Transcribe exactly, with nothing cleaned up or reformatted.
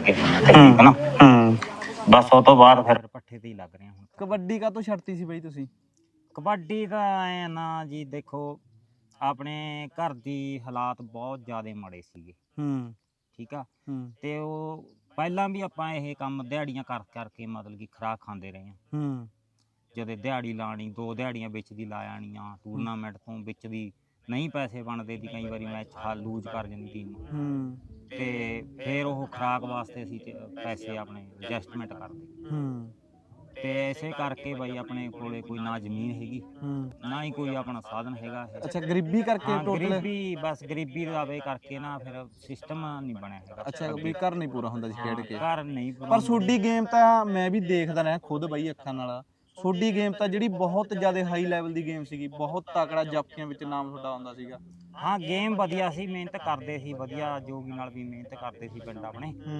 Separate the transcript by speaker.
Speaker 1: ਲੱਗੇ ਠੀਕ ਹੈ ਨਾ।
Speaker 2: ਹੂੰ
Speaker 1: ਬਸ ਉਹ ਤੋਂ ਬਾਅਦ ਫਿਰ ਪੱਠੇ ਤੇ ਹੀ ਲੱਗ ਰਹੇ ਹੁਣ।
Speaker 2: ਕਬੱਡੀ ਕਾਹਤੋਂ ਛੱਡਤੀ ਸੀ ਬਈ ਤੁਸੀਂ?
Speaker 1: ਕਬੱਡੀ ਤਾਂ ਐ ਨਾ ਜੀ, ਦੇਖੋ ਆਪਣੇ ਘਰ ਦੀ ਹਾਲਾਤ ਬਹੁਤ ਜ਼ਿਆਦਾ ਮਾੜੇ ਸੀਗੇ
Speaker 2: ਹੂੰ
Speaker 1: ਠੀਕ ਆ।
Speaker 2: ਹੂੰ
Speaker 1: ਤੇ ਉਹ ਪਹਿਲਾਂ ਵੀ ਆਪਾਂ ਇਹ ਕੰਮ ਦਿਹਾੜੀਆਂ ਕਰ ਕਰਕੇ ਮਤਲਬ ਕਿ ਖੁਰਾਕ ਖਾਂਦੇ ਰਹੇ ਹਾਂ।
Speaker 2: ਹੂੰ
Speaker 1: ਜਦੋਂ ਦਿਹਾੜੀ ਲਾਣੀ, ਦੋ ਦਿਹਾੜੀਆਂ ਵਿੱਚ ਦੀ ਲਾ ਆਣੀਆਂ, ਟੂਰਨਾਮੈਂਟ ਤੋਂ ਵਿੱਚ ਦੀ ਨਹੀਂ ਪੈਸੇ ਬਣਦੇ ਸੀ, ਕਈ ਵਾਰੀ ਮੈਚ ਹਾਲ ਲੂਜ਼ ਕਰ ਜਾਂਦੀ ਟੀਮ
Speaker 2: ਹੂੰ
Speaker 1: ਤੇ ਫਿਰ ਉਹ ਖੁਰਾਕ ਵਾਸਤੇ ਅਸੀਂ ਤੇ ਪੈਸੇ ਆਪਣੇ ਐਡਜਸਟਮੈਂਟ ਕਰਦੇ
Speaker 2: ਹੂੰ
Speaker 1: ਤੇ ਇਸੇ ਕਰਕੇ ਬਾਈ ਆਪਣੇ ਕੋਲੇ ਕੋਈ ਨਾ ਜ਼ਮੀਨ ਹੈਗੀ
Speaker 2: ਹੂੰ
Speaker 1: ਨਾ ਹੀ ਕੋਈ ਆਪਣਾ ਸਾਧਨ ਹੈਗਾ ਇਹ।
Speaker 2: ਅੱਛਾ ਗਰੀਬੀ ਕਰਕੇ
Speaker 1: ਹਾਂ
Speaker 2: ਟੋਟਲ?
Speaker 1: ਗਰੀਬੀ, ਬਸ ਗਰੀਬੀ ਦਾ ਵੇ ਕਰਕੇ ਨਾ ਫਿਰ ਸਿਸਟਮ ਨਹੀਂ ਬਣਿਆ ਹੈਗਾ।
Speaker 2: ਅੱਛਾ ਵੀ ਘਰ ਨਹੀਂ ਪੂਰਾ ਹੁੰਦਾ ਸੀ ਖੇਡ ਕੇ?
Speaker 1: ਘਰ ਨਹੀਂ
Speaker 2: ਪਰ ਤੁਹਾਡੀ ਗੇਮ ਤਾਂ ਮੈਂ ਵੀ ਦੇਖਦਾ ਰਿਹਾ ਖੁਦ ਬਈ ਅੱਖਾਂ ਨਾਲ। ਤੁਹਾਡੀ ਗੇਮ ਤਾਂ ਜਿਹੜੀ ਬਹੁਤ ਜ਼ਿਆਦਾ ਹਾਈ ਲੈਵਲ ਦੀ ਗੇਮ ਸੀਗੀ, ਬਹੁਤ ਤਕੜਾ ਜਾਫੀਆਂ ਵਿੱਚ ਨਾਮ ਤੁਹਾਡਾ ਆਉਂਦਾ ਸੀਗਾ।
Speaker 1: ਹਾਂ ਗੇਮ ਵਧੀਆ ਸੀ, ਮਿਹਨਤ ਕਰਦੇ ਸੀ ਵਧੀਆ, ਜੋਗੀ ਨਾਲ ਵੀ ਮਿਹਨਤ ਕਰਦੇ ਸੀ ਪਿੰਡ ਆਪਣੇ।